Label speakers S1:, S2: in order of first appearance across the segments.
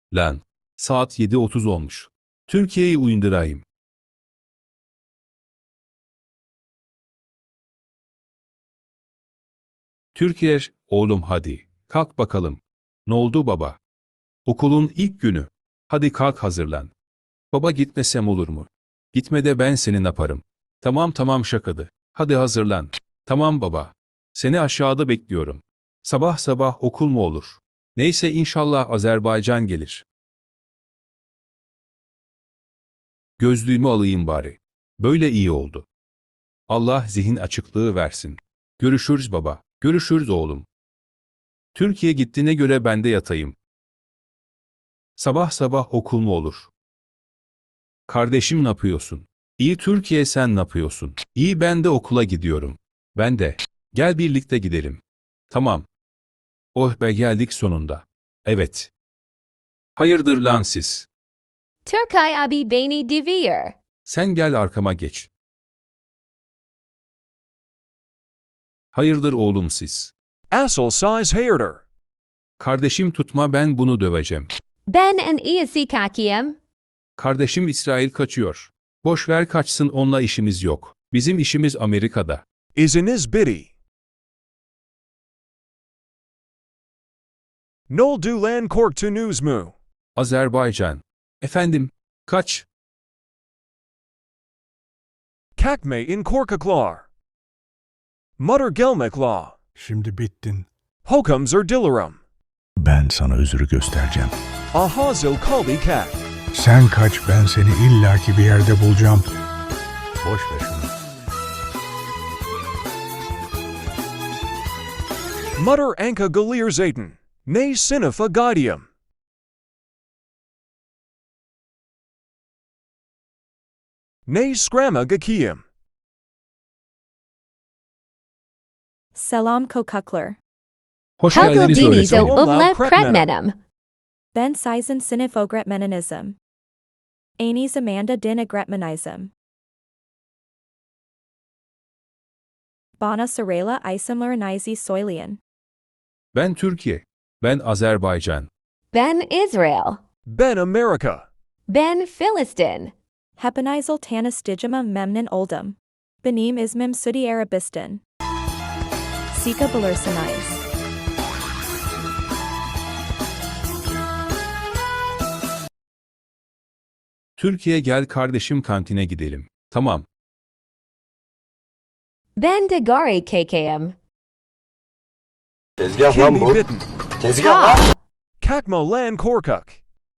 S1: Lan. Saat 7:30 olmuş. Türkiye'yi uyandırayım. Türkiye, oğlum hadi. Kalk bakalım. Ne oldu baba? Okulun ilk günü. Hadi kalk hazırlan. Baba gitmesem olur mu? Gitme de ben seni yaparım. Tamam şakadı. Hadi hazırlan. Tamam baba. Seni aşağıda bekliyorum. Sabah sabah okul mu olur? Neyse inşallah Azerbaycan gelir. Gözlüğümü alayım bari. Böyle iyi oldu. Allah zihin açıklığı versin. Görüşürüz baba. Görüşürüz oğlum. Türkiye gittiğine göre ben de yatayım. Sabah sabah okul mu olur? Kardeşim ne yapıyorsun? İyi Türkiye sen ne yapıyorsun? İyi ben de okula gidiyorum. Ben de. Gel birlikte gidelim. Tamam. Oh be geldik sonunda. Evet. Hayırdır lan siz?
S2: Turkay abi beni devir.
S1: Sen gel arkama geç. Hayırdır oğlum siz?
S3: Asshole size hairder.
S1: Kardeşim tutma ben bunu döveceğim.
S2: Ben en iyisi kakiyim.
S1: Kardeşim İsrail kaçıyor. Boş ver kaçsın onunla işimiz yok. Bizim işimiz Amerika'da.
S3: Isiniz bitty. Nol du lan kork to news mu.
S1: Azerbaycan. Efendim, kaç?
S3: Kakme in korkaklar. Mutter gelmekla.
S4: Şimdi bittin.
S3: Hokums or dillarum.
S4: Ben sana özürü göstereceğim.
S3: Ahazil kalbi kak.
S4: Sen kaç, ben seni illaki bir yerde bulacağım. Boş ver şunu.
S3: Mutter anka galir zayten. Ne sinifa gaudium. Ne scramma gakiyum.
S5: Selam kokuklar.
S1: Hoş
S2: Hagel
S1: geldiniz
S2: diniz o
S1: öğretmenim.
S2: uvle
S3: Kretmenim.
S2: pretmenim.
S5: Ben sizen sinif ogretmeninizm. Anis Amanda din agretmenizm. Bana Sarayla isimlerinizi soylian.
S1: Ben Türkiye. Ben Azerbaycan.
S2: Ben Israel.
S3: Ben America.
S2: Ben Philistin.
S5: Hepanizel tanis digima memnin oldum. Benim ismim sudi arabistan. Sika belirsiniz.
S1: Türkiye gel kardeşim kantine gidelim. Tamam.
S2: Ben de gari KKM.
S6: Tezgah lan
S3: Kimbi
S6: bu.
S3: bitten.
S6: Tezgah lan.
S2: Ha!
S3: Kakmo lan korkuk.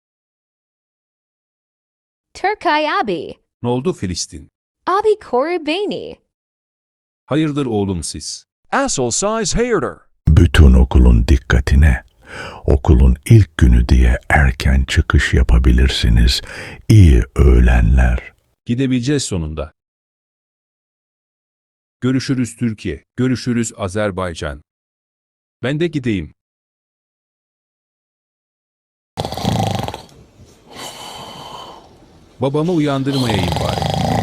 S2: Turkay abi.
S1: Ne oldu Filistin?
S2: Abi koru beni.
S1: Hayırdır oğlum siz?
S3: Asshole size hairder.
S4: Bütün okulun dikkatine. Okulun ilk günü diye erken çıkış yapabilirsiniz. İyi öğlenler.
S1: Gidebileceğiz sonunda. Görüşürüz Türkiye. Görüşürüz Azerbaycan. Ben de gideyim. Babamı uyandırmayayım bari.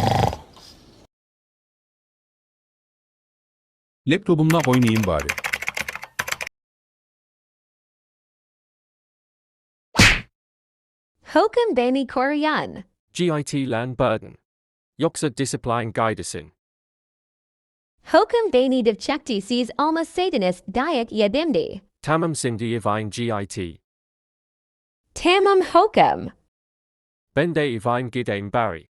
S1: Laptopumla oynayayım bari.
S2: Hokum beni koruyan.
S7: GIT Land Burden. Yoksa Discipline Guidesin.
S2: Hokum beni devçekti siz alma satanist dayak yedimdi.
S7: Tamam Sindi Ivine GIT.
S2: Tamam hokum.
S7: Ben de Ivine Gidame Barry.